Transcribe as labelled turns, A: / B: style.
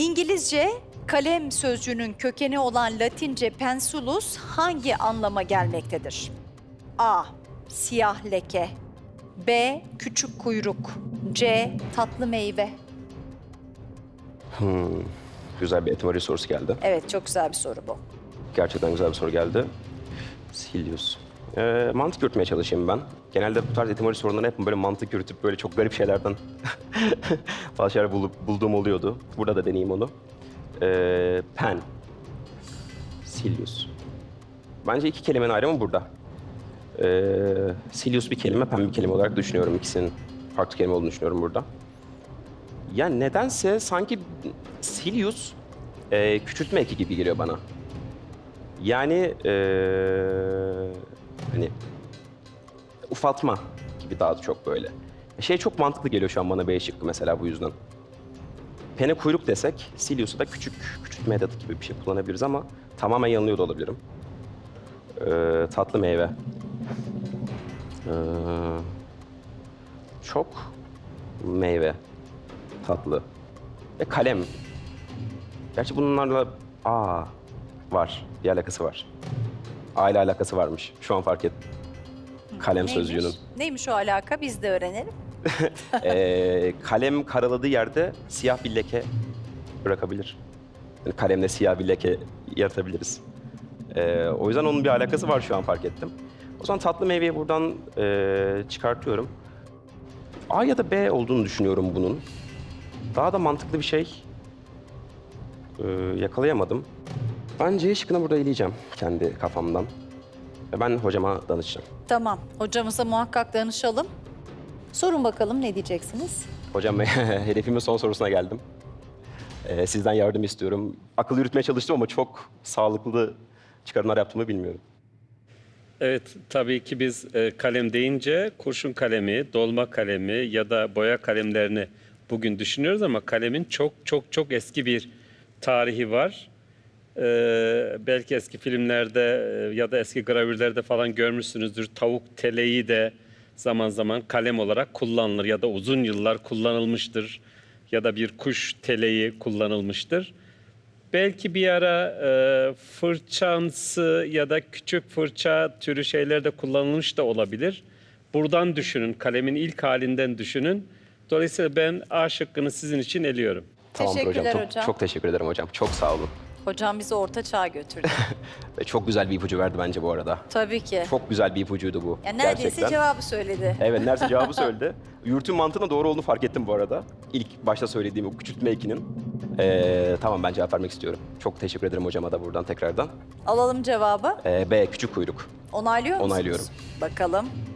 A: İngilizce kalem sözcüğünün kökeni olan Latince pensulus hangi anlama gelmektedir? A. Siyah leke. B. Küçük kuyruk. C. Tatlı meyve.
B: Güzel bir etimoloji sorusu geldi.
A: Evet, çok güzel bir soru bu.
B: Gerçekten güzel bir soru geldi. Silius. Mantık yürütmeye çalışayım ben. Genelde bu tarz etimoloji sorularını hep böyle mantık yürütüp böyle çok garip şeylerden bazı şeyler bulduğum oluyordu. Burada da deneyeyim onu. Pen. Silius. Bence iki kelimenin ayrımı burada. Silius bir kelime, pen bir kelime olarak düşünüyorum. İkisinin farklı kelime olduğunu düşünüyorum burada. Ya nedense sanki Silius küçültme eki gibi geliyor bana. Yani hani ufaltma gibi daha çok böyle. Şey çok mantıklı geliyor şu an bana B şıkkı mesela bu yüzden. Pene kuyruk desek, Silius'u da küçültme edatı gibi bir şey kullanabiliriz ama tamamen yanılıyor da olabilirim. Tatlı meyve. Çok meyve. Tatlı. Ve kalem. Gerçi bunlarla var. Bir alakası var. Aile alakası varmış. Şu an fark ettim. Kalem sözcüğünün.
A: Neymiş o alaka? Biz de öğrenelim.
B: Kalem karaladığı yerde siyah bir leke bırakabilir. Yani kalemle siyah bir leke yaratabiliriz. O yüzden onun bir alakası var şu an fark ettim. O zaman tatlı meyveyi buradan çıkartıyorum. A ya da B olduğunu düşünüyorum bunun. Daha da mantıklı bir şey yakalayamadım. Ben C şıkkını burada eleyeceğim kendi kafamdan. Ve ben hocama danışacağım.
A: Tamam, hocamıza muhakkak danışalım. Sorun bakalım, ne diyeceksiniz?
B: Hocam hedefimin son sorusuna geldim. Sizden yardım istiyorum. Akıl yürütmeye çalıştım ama çok sağlıklı çıkarımlar yaptığımı bilmiyorum.
C: Evet, tabii ki biz kalem deyince kurşun kalemi, dolma kalemi ya da boya kalemlerini bugün düşünüyoruz ama kalemin çok eski bir tarihi var. Belki eski filmlerde ya da eski gravürlerde falan görmüşsünüzdür. Tavuk teleği de zaman zaman kalem olarak kullanılır ya da uzun yıllar kullanılmıştır. Ya da bir kuş teleği kullanılmıştır. Belki bir ara fırçamsı ya da küçük fırça türü şeyler de kullanılmış da olabilir. Buradan düşünün, kalemin ilk halinden düşünün. Dolayısıyla ben A şıkkını sizin için eliyorum.
B: Tamamdır
A: Teşekkürler
B: hocam.
A: hocam.
B: Çok teşekkür ederim hocam. Çok sağ olun.
A: Hocam bizi orta çağa götürdü.
B: Ve çok güzel bir ipucu verdi bence bu arada.
A: Tabii ki.
B: Çok güzel bir ipucuydu bu.
A: Ya neredeyse
B: gerçekten.
A: cevabı söyledi.
B: Evet, neredeyse cevabı söyledi. Yürütüm mantığına doğru olduğunu fark ettim bu arada. İlk başta söylediğim o küçültme ekinin. Tamam, ben cevap vermek istiyorum. Çok teşekkür ederim hocama da buradan tekrardan.
A: Alalım cevabı.
B: B, küçük kuyruk.
A: Onaylıyor musunuz?
B: Onaylıyorum.
A: Bakalım.